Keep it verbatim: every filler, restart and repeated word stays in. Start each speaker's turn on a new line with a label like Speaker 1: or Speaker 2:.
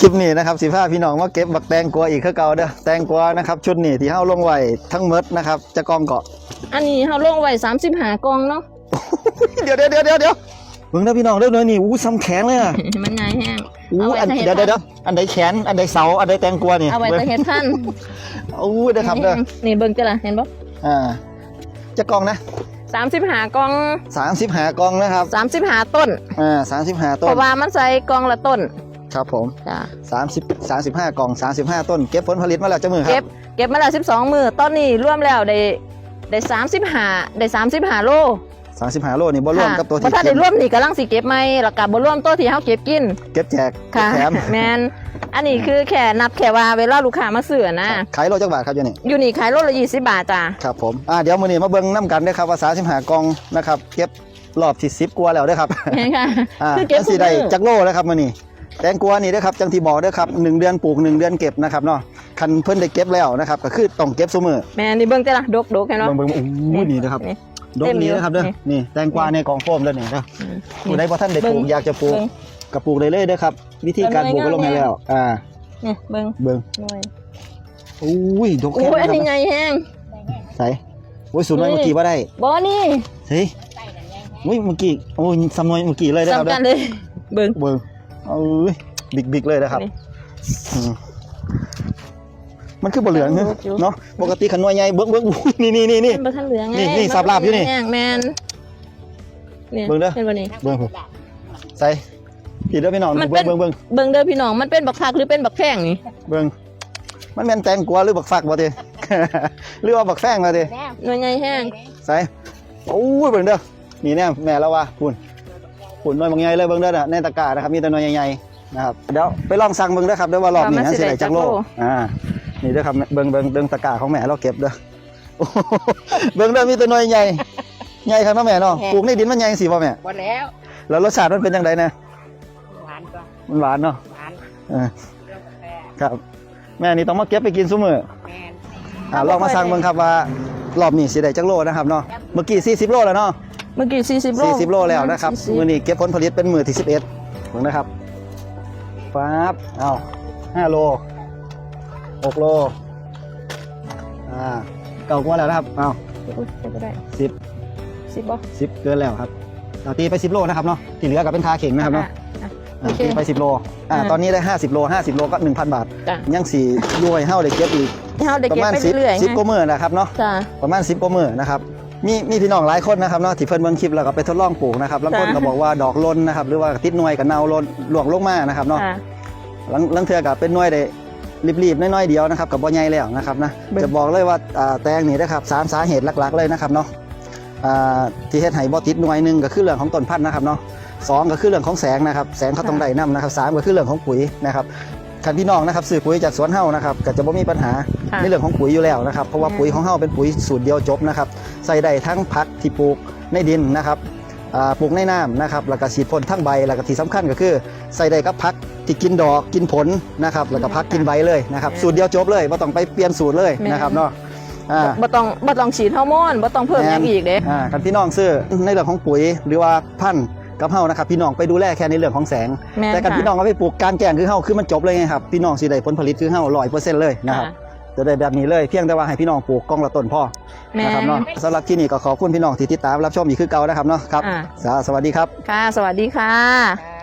Speaker 1: ลิปนี้นะครับสิพาพี่น้องมาเก็บบักแตงกวาอีกคือเก่าเด้อแตงกวานะครับชุดนี้ที่เฮาลงไว้ทั้งหมดนะครับจะกองเกาะ
Speaker 2: อันนี้เฮาลงไว้สามสิบห้ากองเนาะ
Speaker 1: เดี๋ยวเดี๋ยวเดี๋ยวเดี๋ยวเดี๋ยวเบิ่งนะพี่น้องเด้อเด้อนี่อู้ซ้ำแขนเลยอ่ะ
Speaker 2: มันใหญ่แห้ง
Speaker 1: อู้อันเดี๋ยวเดี๋ยวเดี๋ยวอันใดแขนอันใดเสาอันใดแตงกวานี่
Speaker 2: เอาไว้แต่เฮ็ดพัน
Speaker 1: อู้เด้อครับเด้อ
Speaker 2: นี่เบิ่งจ้ะล่ะเห็นบ่
Speaker 1: อ่าจะกองนะ
Speaker 2: สามสิบห้ากอง
Speaker 1: สามสิบห้ากองนะครับ
Speaker 2: สามสิบห้าต้น
Speaker 1: อ่าสามสิบห้าต้น
Speaker 2: เพราะว่ามันใส่กองละต้น
Speaker 1: ครับผม
Speaker 2: จ้ะ
Speaker 1: สามสิบ สามสิบห้ากล่องสามสิบห้าต้นเก็บผลผลิตมาแล้วจักมื้อครับ
Speaker 2: เก็บเก็บมาแล้วสิบสองมื้อตอนนี้รวมแล้วได้ได้สามสิบห้าได้สามสิบห้าโล
Speaker 1: สามสิบห้าโลนี่บ่รวมกับตัวที่
Speaker 2: บ่ทันได้รวมนี่กำลังสิเก็บใหม่แล้วก็บ่รวมตัวที่เฮาเก็บกิน
Speaker 1: เก็บแจก
Speaker 2: ค่ะ
Speaker 1: แถม
Speaker 2: แม่นอันนี้คือแค่นับแค่ว่าเวลาลูกค้ามาซื้อนะ
Speaker 1: ขายโลจักบาทครับอยู่นี่
Speaker 2: อยู่นี่ขายโลละยี่สิบบาทจ้ะ
Speaker 1: ครับผมอ่าเดี๋ยวมื้อนี้มาเบิ่งนำกันเด้อครับว่าสามสิบห้ากล่องนะครับเก็บรอบที่สิบกว่าแล้วเด้อครับ
Speaker 2: แม่นค่ะ
Speaker 1: อ่า
Speaker 2: คือเก็บ
Speaker 1: สิได้จักโลแล้วครับมื้อนี้แตงกวานี่เด้อครับจังที่บอกเด้อครับหนึ่งเดือนปลูกหนึ่งเดือนเก็บนะครับเนาะคันเพิ่นได้เก็บแล้วนะครับก็คือต้องเก็บซุมื้อ
Speaker 2: แม่นี่เบิ่งจ้ะล่ะดกๆแค่เนาะ
Speaker 1: เบิ่งๆโอ้ยนี่นะครับดกนี้นะครับเด้อนี่แตงกวาในกล่องโฟมเด้อนี่เด้อผู้ใดบ่ทันได้ปลูกอยากจะปลูกก็ปลูกได้เลยเด้อครับวิธีการปลูกก็ลงให้แล้วอ่า
Speaker 2: นี่เบิ่ง
Speaker 1: เบิ่งโอ้ยดกแค่
Speaker 2: โอ้ยอันนี้ใหญ่แฮง
Speaker 1: ใส่โอ้ยสูงน้อยเมื่อกี้บ่ได้
Speaker 2: บ่นี่
Speaker 1: เฮ้ยโอ้ยเมื่อกี้โอ้ยซ้ำน้อยเมื่อกี้เลยเด้อครับ
Speaker 2: ซ้ำกันเลยเบิ่ง
Speaker 1: เบิ่งเอ้ยบิ๊กๆเลยนะครับมันคือบ่เหลืองเนาะปกติขันน้อยใหญ่เบิ่งเบิ่งนี่นี่นี่นี่
Speaker 2: บ่ทันเหลืองไง
Speaker 1: นี่สับลาบอยู่นี่
Speaker 2: แม่นนี่
Speaker 1: เบิ่งเด้อ
Speaker 2: เป็นบ่นี่
Speaker 1: เบิ่งใส่พี่เด้อพี่น้องเบิ่งเบิ่งเบิ่ง
Speaker 2: เบิ่งเด้อพี่น้องมันเป็นบักคักหรือเป็นบักแพงนี่
Speaker 1: เบิ่งมันแม่นแตงกวาหรือบักฟักบ่ติหรือว่าบักแฟงบ่ติ
Speaker 2: หน่วยใหญ่แห้ง
Speaker 1: ใส่โอ้ยเบิ่งเด้อนี่แน่แม่แล้วว่าพุ่นพุ่นน้อยบางใหญ่เลยเบิ่งเด้อน่ะในตะกร้านะครับมีแต่น้อยใหญ่ๆนะครับเดี๋ยวไปลองสั่งเบิ่งเด้อครับเด้อว่ารอบนี้สิได้จักโลอ่านี่เด้อครับเบิ่งเบิ่งเบิ่งตะกร้าของแม่เราเก็บเด้อเบิ่งเด้อมีแต่น้อยใหญ่ใหญ่ครับเนาะแม่เนาะปลูกในดินมันใหญ่สิบ่แม่
Speaker 2: บ่แล้ว
Speaker 1: แล้วรสชาติมันเป็นจังได๋นะ
Speaker 2: หวานกว่า
Speaker 1: มันหวานเนาะ
Speaker 2: หวาน
Speaker 1: เออครับแม่นี่ต้องมาเก็บไปกินซุมื้อแม่นอ่าลองมาสั่งเบิ่งครับว่ารอบนี้สิได้จักโลนะครับเนาะเมื่อกี้สี่สิบโลแล้วเนาะ
Speaker 2: เมื่อกี้สี่สิบโล
Speaker 1: สี่สิบโลแล้วนะครับมื้อนี้เก็บผลผลิตเป็นมื้อที่สิบเอ็ดเบิ่งนะครับปั๊บเอ้าห้าโลหกโลอ่าเก่ากว่าแล้วนะครับเอ้าสิบ
Speaker 2: สิบบ่
Speaker 1: สิบเกินแล้วครับเราตีไปสิบโลนะครับเนาะที่เหลือก็เป็นทาเข่งนะครับเนาะตีไปสิบโลอ่าตอนนี้ได้ห้าสิบโลห้าสิบโลก็ หนึ่งพัน บาทยังสี่ย้วยเฮาได้เก็บอีกประมาณสิบ สิบกว่ามื้อนะครับเนาะประมาณสิบกว่ามื้อนะครับมีมีพี่น้องหลายคนนะครับเนาะที่เพิ่นเบิ่งคลิปแล้วก็ไปทดลองปลูกนะครับบางคนก็บอกว่าดอกล้นนะครับหรือว่าติดหน่วยกับเนาล้นหลวงลงมานะครับเนาะลังเทื่อก็เป็นหน่วยได้รีบๆน้อยๆเดียวนะครับกับบ่ใหญ่แล้วนะครับนะจะบอกเลยว่าแตงนี่นะครับสามสาเหตุหลักๆเลยนะครับเนาะที่เฮ็ดให้บ่ติดหน่วยหนึ่งก็คือเรื่องของต้นพันธุ์นะครับเนาะสองก็คือเรื่องของแสงนะครับแสงเขาต้องได้นำนะครับสามก็คือเรื่องของปุ๋ยนะครับคันพี่น้องนะครับซื้อปุ๋ยจากสวนเฮานะครับก็จะบ่มีปัญหาในเรื่องของปุ๋ยอยู่แล้วนะครับเพราะว่าปุ๋ยของเฮาเป็นปุ๋ยสูตรเดียวจบนะครับใส่ได้ทั้งผักที่ปลูกในดินนะครับปลูกในน้ำนะครับแล้วก็ฉีดพ่นทั้งใบแล้วก็ที่สำคัญก็คือใส่ได้กับผักที่กินดอกกินผลนะครับแล้วก็ผักกินใบเลยนะครับสูตรเดียวจบเลยบ่ต้องไปเปลี่ยนสูตรเลยนะครับเนาะ
Speaker 2: บ่ต้องบ่ต้องฉีดฮอร์โมนบ่ต้องเพิ่มอย่างอีกเด้
Speaker 1: อ่าคันพี่น้องซื้อในเรื่องของปุ๋ยหรือว่าพันธุ์กับเฮานะครับพี่น้องไปดูแลแค่ในเรื่องของแสงแต่กันพี่น้องเอาไปปลูกกลางแจ้งคือเฮาคือมันจบเลยไงครับพี่น้องสิได้ผลผลิตคือเฮา ร้อยเปอร์เซ็นต์ เลยนะครับจะได้แบบนี้เลยเพียงแต่ว่าให้พี่น้องปลูกกองละต้นพ่อนะครับเนาะสำหรับที่นี่ก็ขอบคุณพี่น้องที่ติดตามรับชมอีกคือเก่านะครับเนาะครับสวัสดีครับ
Speaker 2: ค่ะสวัสดีค่ะ